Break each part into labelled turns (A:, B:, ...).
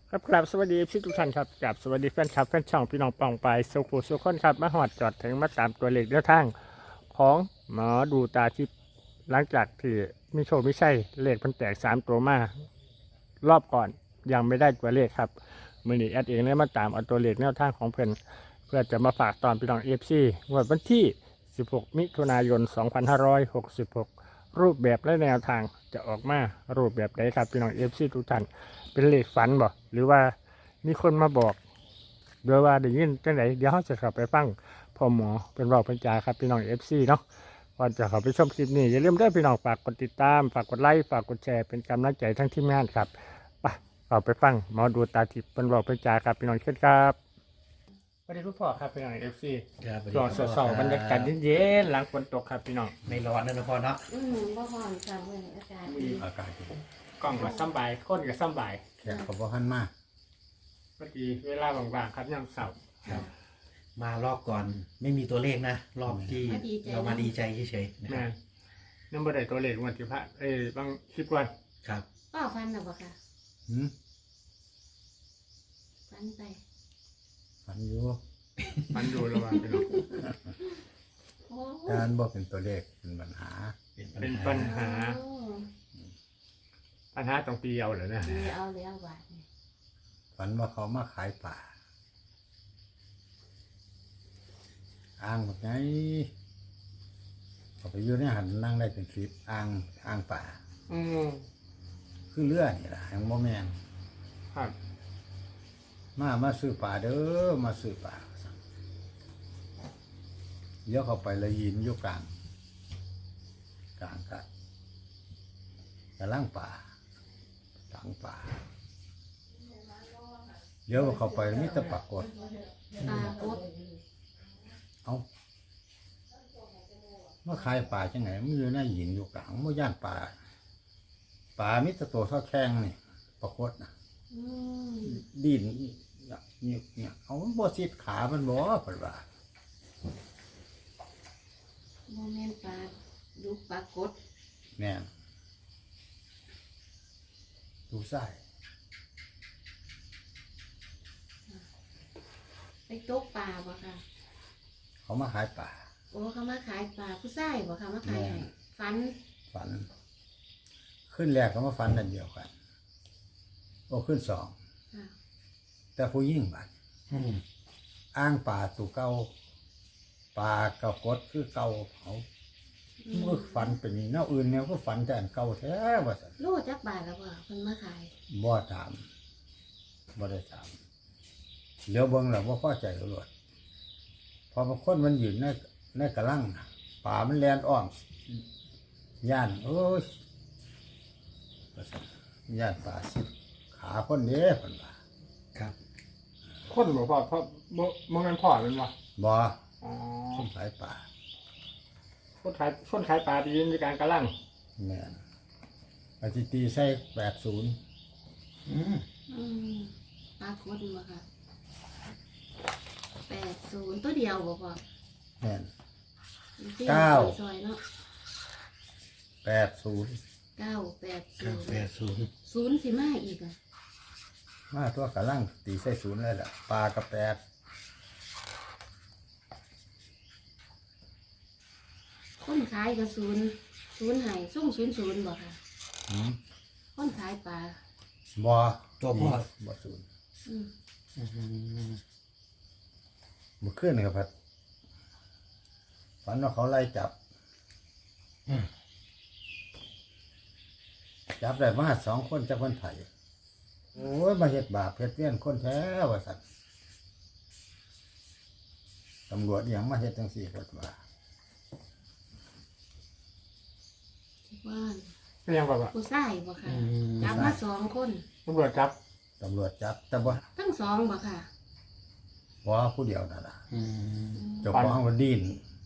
A: ครับกราบสวัสดีพี่ทุกท่านครับกราบสวัสดีแฟนคลับแฟนช่องพี่น้องปองไปสุขุสุขคนครับมาหอดจอดถึงมาตามตัวเลขแนวทางของหมอดูตาทิพย์หลังจากที่มีโชคไม่ใช่เลขมันแตก3 ตัวมารอบก่อนยังไม่ได้ตัวเลขครับมือนี้แอดเองเลยมาตามเอาตัวเลขแนวทางของเพื่อจะมาฝากตอนพี่น้องFCงวดวันที่16 มิถุนายน 2566 รูปแบบและแนวทางจะออกมารูปแบบใดครับพี่น้องFCทุกท่านเป็นเลขฝันบ่หรือว่ามีคนมาบอกโดยว่าได้ยินจังไหนเดี๋ยวเราจะเข้าไปฟังพ่อหมอเป็นบอกเป็นจาครับพี่น้องFCเนาะก่อนจะเข้าไปชมคลิปนี้อย่าลืมได้พี่น้องฝากกดติดตามฝากกดไลค์ฝากกดแชร์เป็นกำลังใจทั้งทีมงานครับไปเข้าไปฟังหมอดูตาทิพย์เป็นบอกเป็นจาครับพี่น้องเช่นครับสวัสดีคุณพ่อครับพี่น้องFC
B: ครับ
A: ช่วงสดๆบรรยากาศเย็นๆหลังฝนตกครับพี่น้อง
B: ไม่ร้อนนะพ่อเนาะ
C: บ่ฮ้อนค่ะเว้ยอากาศดี
D: อากาศดี
A: กล้องก็สำบายคนก็สำบาย
D: แขกเขาบอกหันมา
A: พอดีเวลาบางๆครับยังเสาร์
B: ครับ มารอบก่อนไม่มีตัวเลขนะ รอบที่เรามาดีใจเฉยๆนะค
A: แม่
B: รับ
A: นั่นบ่ได้ตัวเลขวันที่พระบางคลิปวัน
B: ครับ
C: ป้าฟันน่ะบ่ค่ะ
D: หืม
C: ฟันไป
D: ฝันอยู่
A: มันดูระหว่างพี่น้อง
C: โอ้
D: การบอกเป็นตัวเลขเป็นปัญหา
A: เป็นปัญหาตรงปีเอาเหรอเนี่ย
C: ดีเอาแล้วบาดนี่
D: ฝันว่าเขามาขายป่าอ้างแบบไงเขาไปอยู่ในหันนั่งได้เป็นสิบอ้างป่า
A: อืม
D: คือเรือนี่แหละยังโมแมน
A: ครับ
D: มาซื้อป่าเด้อมาซื้อป่าเดี๋ยวเขาไปเลยยินอยู่กลางกะล่างป่าต่างป่าเดี๋ยวเขาไปมิตรปรากฏ
C: ปลากด
D: เอามาขายป่าจังไงมันอยู่ในหินอยู่กลางมันย่านป่ามิตรโตเท่าแข้งนี่ปรากฏนะ
C: อืม
D: ดินเนี่ยเอามันบ่สิดขามันบ่เพิ่นว่า
C: บ่แม่นปลาดุกปลากด
D: แม่นดูไส้
C: ไปตกปลาบ่ค่ะ
D: เขามาขายป่า
C: โอ้เขามาขายปลาผู้ชายบ่ค่ะมาขายให้ฟัน
D: ฝัน ขึ้นแรกเขามาฝันนั่นเดียวกันโอ้ขึ้นสอง
C: ค่ะ
D: แต่ผู้ยิ่งบัด
B: อืม
D: อ้างป่าตูเก่าป่ากระกดคือเก่าเขาเมื่อฝันเป็นแนวอื่นแนวก็ฝันแต่อันเก่าแท้ว่าสัน
C: โลจักบาทแล้วบ่เพิ่นมาขาย
D: บ่ถามบ่ได้ถามเดี๋ยวเบิ่งแล้วบ่พอใจตำรวจพอบางคนมันอยู่ในกระลังน่ะป่ามันแลนอ้อมย่านโอ้ยว่าซั่นย่านป่าสิขาคนเด้เพิ่นว่า
B: ครับ
A: คนบอกพ่อเพราะบ่งั้นพ่อเป็นวะ
D: บ่
A: อ๋อ
D: คนขายป่า
A: คนขายปลาที่ยืนในการกระลัง
D: แม่นปฏิตีใส่80
B: อืม
C: อืมปลากดบ่ค่ะ80ตัวเดียวบ่พ่อ
D: แม่น
C: ที่
D: เก้า
C: ซอยเนาะ
D: 80
B: 980
C: 980 ศูนย์สิมาอีกอ่ะ
D: มาตัวกระลังตีใส่ศูนย์เลยล่ะปลากระแปด
C: คนขายกับศูนย์ให้ส่ง00บ่ค่ะ
D: หืม
C: คนขายปลา
D: บ่
B: ตัวพ่อ
D: บ่ศูนย์
C: อืม
B: อืม
D: บ่ขึ้นครับพัดฝันว่าเขาไล่จับ จับได้มา2 คนจากคนไทยโอ้ยมาเฮ็ดบาปเฮ็ดเวียนคนแท้ว่าสัตว์ตำรวจอหย่างมาเฮ็ดจังซี่เพิ่นว่า
C: ว่า
A: เป็นยังแบบว่า
C: ผู้ชายบ่ค่ะ
B: อืม
C: จับมา2 คน
A: ตำรวจจับ
D: ตำรวจจับแต่บ่
C: ทั้ง2บ่ค่ะ
D: บ่ผู้เดียวนั่นล่ะ
B: อืม
D: เจ้าของมันดิ้น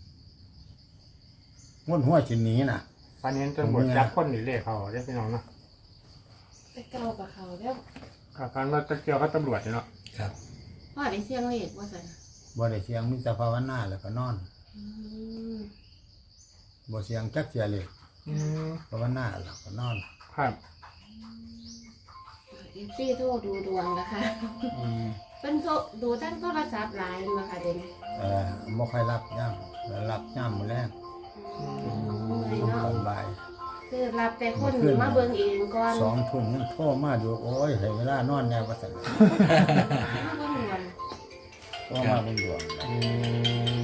D: ม้วนหัวชิ้นนี้น่ะ
A: ตอนนี้ตำรวจจับคนหนีเลขเขาได้พี่น้องเนาะ
C: ไปเก่ากับเขาแล้ว
A: ครับการว่าตะเกียวก็ตำรวจเนาะ
B: ครับ
C: พ่อได้เสียงเลขว่าซั่น
D: บ่ได้เสียงมีแต่ภาวนาแล้วก็นอน
C: อืม
D: บ่เสียงจักเสียเลย
A: อืม
D: ภาวนาแล้วก็นอน
A: ครับ
C: เอซี่โทรดูดวงนะคะ
B: อืม
C: เป็นโทรดูทั้งโทรศัพท์หลายมาค่ะเดี๋ยวนี้
D: บ่ค่อยรับย่ำรับย่ำมื้อแรก
C: เมื่อย
D: ต
C: เนาะ
D: อนบ่าย
C: คือรับแต่คนมาเบิ่งเองก่อน
D: 2 ทุ่มยังโทรมาอยู่โอ้ยให้เวลานอนแน่ว่าซั่น
C: มาเบิ่งดวง
D: โทรมาเบิ่งดวง
B: อืม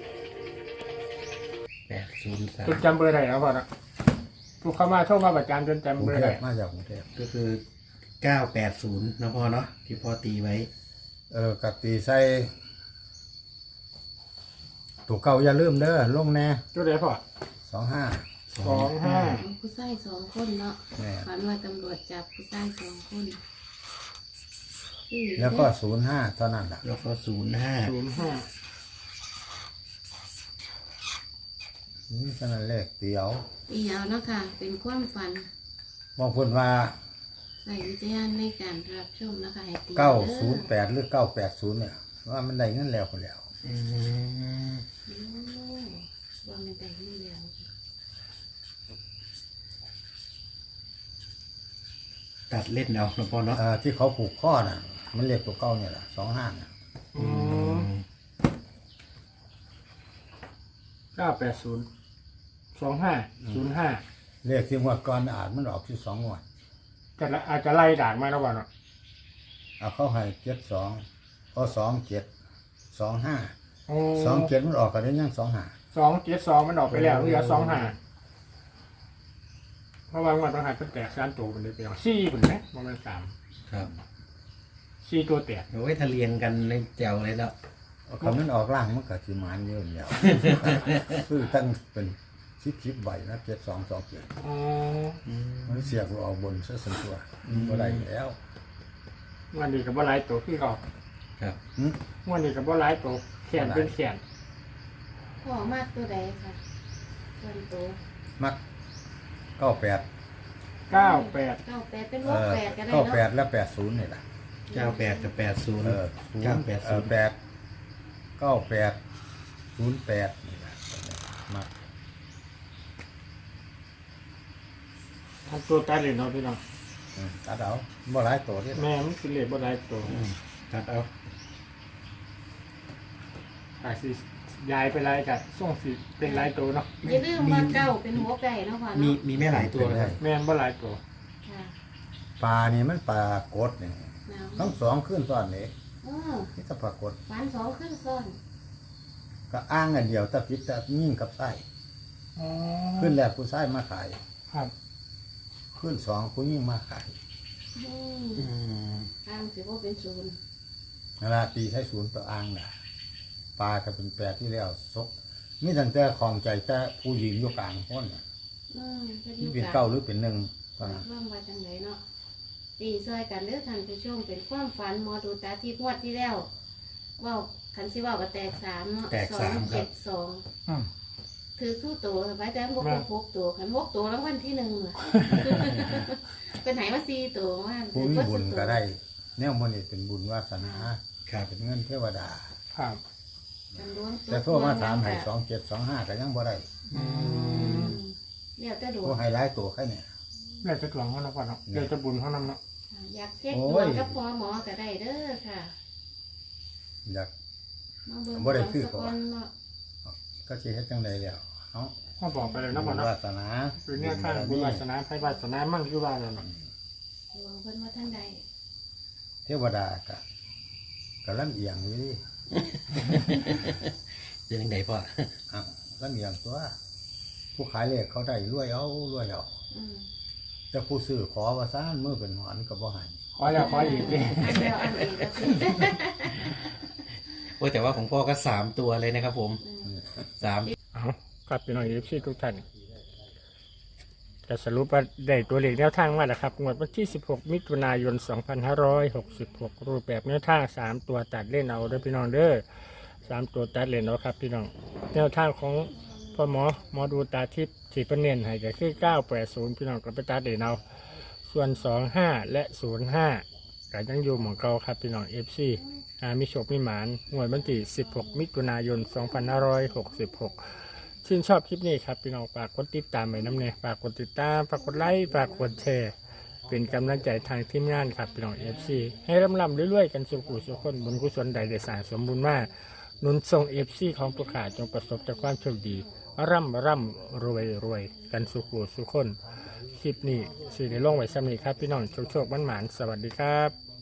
B: 803
A: จนจำเบอร์ได้แล้วพ่อเนาะผู้เข้ามาโทรมาประจำจนจำ
D: กรุ
A: เบ
D: ง
A: อร์
D: เท
A: ได้
D: พมาจากกรุงเทพ
B: ก็คือ 980นะพ่อเนาะที่พ่อตีไว้
D: กับตีใส่ตัวเก่าอย่าลืมเด้อลงแน่
A: จุดไหนพ่อ
D: 25
A: 25
C: ผู้ชาย2 คนเนาะ
D: แม่
C: ฝันว่าตำรวจจับผู้ชาย2 คนชื่อ
D: แล้วก็05เท่านั้นล่ะ
B: แล้วก็ 05
A: 05
D: นี่เท่านั้นเลขเดียว
C: ตีเอาเนาะค่ะ เป็นความฝัน
D: บอกเพิ่นว่า
C: ใส่วิจารณ์ในการรับชมนะคะให้ตี
D: 908หรือ980เนี่ยว่ามันได้เงินแล้วพุ่นแล้ว
B: อืม
C: วางในแต่งนี่แล้ว
B: ตัดเล่นเอานะพ่อเนาะ
D: ที่เขาผูกข้อน่ะ มันเลขตัวเก่าเนี่ยล่ะ25น่ะ
A: อืม980 25
D: เลขที่งวดก่อนอาจมันออกที่2งวด
A: 05แต่ละอาจจะไล่ด่างมาแล้วพ่อเนาะ
D: เอาเขาให้72เอา27 25
A: โอ้
D: 27มันออกก็ได้ยัง25
A: 272มันออกไปแล้วเหลือ25เพราะว่างวดต้องหาเป็นแตก3ตัวมันเลยไปเอา4พุ่นนะบ่แม่น3
B: ครับ
A: 4ตัวแตก
B: โอ้ยถ้าเรียนกันในแจวเลยแล้ว
D: เอาคำนั้นออกล่างมันก็สิมานเยอะ แล้วคือตั้งเป็น10ใบนะ7227
A: อ๋อ
D: มันเสียกออกบนซะส่วนตัวบ่ได้แล้ว
A: วันนี้ก็บ่หลายตัวคือเก่า
B: ครับ
D: หึ
A: วันนี้ก็บ่หลายตัวแขนเป็นแขน
C: พ่อมากตัวใดค่ะส่วนตัว
D: มัก98
A: 98
C: 98เป็น68ก็ได้เนาะ
D: 98และ80นี่ล่ะ
B: 98 กับ 80
D: 980 8 98 08นี่ล่ะมัก
A: ทำตัวตัดเลยเนาะพี่น้อง
D: ตัดเอาบ่หลายตัวนี่
A: แม่มันสิเหลือบ่หลายตัว
B: ตัดเอา
A: อาจสิยายไปหลายก็ส่งสิเป็นหลายตัวเนาะ
C: อย่าลืมว่าเก้าเป็นหัวไก่เนาะพ่อ
B: มี
C: เนาะ
B: มีแม่หลายตัวเลยครับ
A: แม่นบ่หลายตัว
C: ค่ะ
D: ปลานี่มันปลากดนี่
C: แนว
D: ทั้งสองขึ้นซ้อนนี่
C: อ
D: นี่ถ้าปลากด
C: ฝัน2ขึ้นซ้อน
D: ก็อ้างอันเดียวแต่พิษแต่ยิ่งกับไส้
A: อ๋อ
D: ขึ้นแรกผู้ชายมาขาย
A: ครับ
D: ขึ้นสองผู้ยิ่งมาขาย
C: อืม
B: อืม
C: ทางสิบ่เป็นศูนย์
D: เวลาตีใช้ศูนย์ตัวอ้างน่ะปลาก็เป็นแปดที่แล้วซกมีตั้งแต่ของใจแต่ผู้หญิงอยู่กลางคนน่ะ
C: ก็อ
D: นี่
C: ยู่
D: เป็น
C: กั
D: เก้าหรือเป็นหนึ่งตอนนั้น
C: ร่วมว่าจังไดเนาะตีซอยกันเด้อท่านผู้ชมเป็นความฝันหมอดูตาที่งวดที่แล้วเว้าคันสิเว้าก็แตก3เนาะ
B: แตก3ครับ
C: 272
A: อืม
C: ถือทุกตัวไปแต่บ่ครบ6ตัวคัน6ตัวแล้ววันที่1ล่ะ เป็นไหนว่า4ตัวว่า
D: ผู้มีบุญก็ได้แนวมันนี่เป็นบุญวาสนา
B: ครับ
D: เป็นเงินเทวดา
A: ครับ
C: กันล้วง
D: แต่โทรมาถามให้2725ก็ยังบ่ได้
A: อืม
C: เดี๋ยวจะดู
D: ผู้ให้หลายตัวแค่เนี่ย
A: แล้วจะหลวงเฮาเนาะพ่อเนาะเดี๋ยวจะบุญเฮานำเนาะ
C: อยากเช็ค
D: โอ้
C: ดวย งกับหมอก็ได้เด้อค่ะ
D: อยาก
C: มาเบิ่ง
D: บ่ได้คือ
C: สัก
D: เขา
C: วันเนาะ
D: ก็สิเฮ็ดจังไดแล้วเนาะ
A: พ่อบอกไปเลยเนาะ
D: บุ
A: พ่อ
D: ญ
A: เนาะ
D: วาสนา
A: เป็นเนี่ยข้างบุญวาสนาไผวาสนามั่งอยู่ว่าแล้วเนาะ
C: ดวงเพิ่นว่าทางใด
D: เทวดาก็ลำเอียงอยู่ดิ
B: จะยังไงพ่อ
D: อ้าวลำเอียงตัว ผู้ขายเลขเขาได้รวยเอา
C: อืม
D: แต่ผู้ซื้อขอว่าซ่านมือเป็นหอนก็บ่ให้
A: ขอแล้วขออีกดิ
C: อันเดียวอันเองก็คือ
B: โอ้ยแต่ว่าของพ่อก็3ตัวเลยนะครับผม 3
A: เอาครับพี่น้องFCทุกท่านจะสรุปว่าได้ตัวเลขแนวทางมาแล้วครับงวดวันที่ 16 มิถุนายน 2566 รูปแบบแนวทาง 3 ตัวตัดเล่นเอาเด้อพี่น้องเด้อ3 ตัวตัดเล่นเอาครับพี่น้องแนวทางของพ่อหมอดูตาทิพย์ที่ประเนียนให้ก็คือ 980 พี่น้องก็ไปตัดเล่นเอาส่วน 25 และ 05ก็ยังอยู่หม่องเก่าครับพี่น้อง FC มีโชคมีหมานงวดวันที่ 16 มิถุนายน 2566 ชื่นชอบคลิปนี้ครับพี่น้องฝากกดติดตามไว้น้ำเนี่ยฝากกดติดตามฝากกดไลค์ฝากกดแชร์เป็นกำลังใจทางทีมงานครับพี่น้อง FC ให้ร่ำๆรวยๆกันสุขุสุขคนบุญกุศลใดได้สร้างสมบูรณ์มากหนุนทรง FC ของผู้ขาจงประสบแต่ความโชคดีร่ำรวยกันสุขุสุขคนคลิปนี้สิได้ลงไว้ซ้ำนี้ครับพี่น้องโชคๆหวานๆสวัสดีครับ